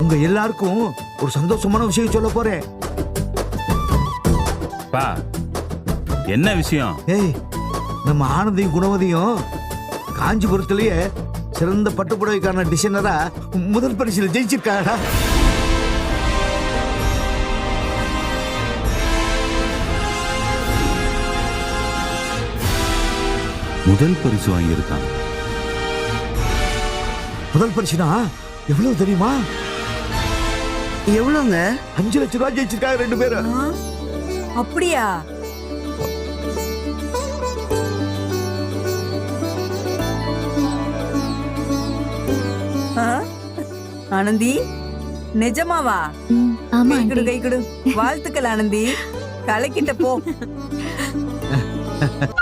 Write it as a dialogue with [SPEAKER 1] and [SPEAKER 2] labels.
[SPEAKER 1] உங்க எல்லாருக்கும் ஒரு சந்தோஷமான விஷயம் சொல்ல போறேன்.
[SPEAKER 2] பா, என்ன விஷயம்?
[SPEAKER 1] ஏய், நம்ம ஆனந்தியும் குணவதியும் காஞ்சிபுரத்திலேயே சிறந்த பட்டுப்புடவைக்கான டிசைனரா முதல் பரிசில் ஜெயிச்சிருக்காடா.
[SPEAKER 2] முதல் பரிசு வாங்கியிருக்காங்க.
[SPEAKER 1] முதல் பரிசுனா எவ்வளவு தெரியுமா?
[SPEAKER 3] எவ்வளவுங்க?
[SPEAKER 1] 5 லட்சம் ரூபாய் ஜெயிச்சிருக்காங்க 2 பேரும்.
[SPEAKER 4] அப்படியா? ஆனந்தி, நிஜமாவா?
[SPEAKER 5] ஆமா
[SPEAKER 4] கை கொடு,
[SPEAKER 5] ஆண்டி.
[SPEAKER 4] கை கொடு. வாழ்த்துக்கள் ஆனந்தி, கலக்கிட்ட போ.